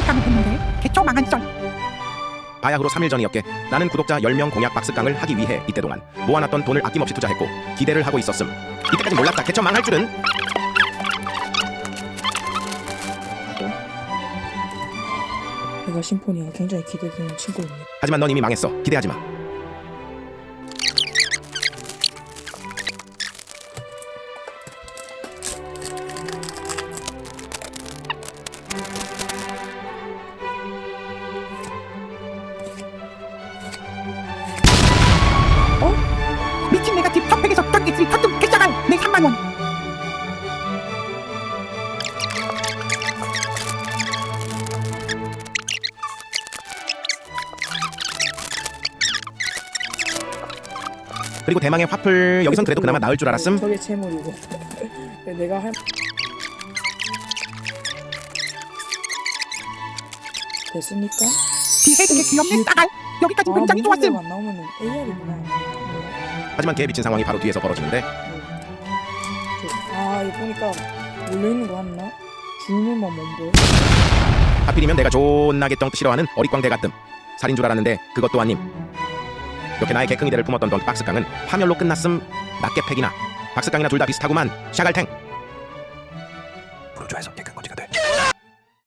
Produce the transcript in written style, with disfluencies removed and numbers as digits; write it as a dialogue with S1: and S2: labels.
S1: 박스깡을 했는데 개초 망한 썰.
S2: 바야흐로 3일 전이었게 나는 구독자 10명 공약 박스깡을 하기 위해 이때 동안 모아놨던 돈을 아낌없이 투자했고 기대를 하고 있었음. 이때까지 몰랐다. 개처 망할 줄은.
S3: 내가 심포니가 굉장히 기대되는 친구입니다.
S2: 하지만 넌 이미 망했어. 기대하지 마.
S1: 미친 내가 집 턱백에서 떡이슬 터뜩 개짜간 내 3만원.
S2: 그리고 대망의 화풀. 여기선 그래도 그나마 나을 줄 알았음.
S3: 저게 채물이고 내가 할 됐습니까?
S1: 비해드게 귀엽네 싸갈. 여기까지 굉장히 좋았음.
S3: 안 나오면은 AR이구나.
S2: 하지만 개 미친 상황이 바로 뒤에서 벌어지는데
S3: 아 이거 보니까 몰려있는 거 맞나? 줄눈만 뭔데?
S2: 하필이면 내가 존나게 덩 싫어하는 어릿광대 같음. 살인 줄 알았는데 그것도 아님. 이렇게 나의 개坑이대를 품었던 던 박스깡은 파멸로 끝났음. 낱개팩이나 박스깡이나 둘 다 비슷하구만. 샤갈탱. 프로조에서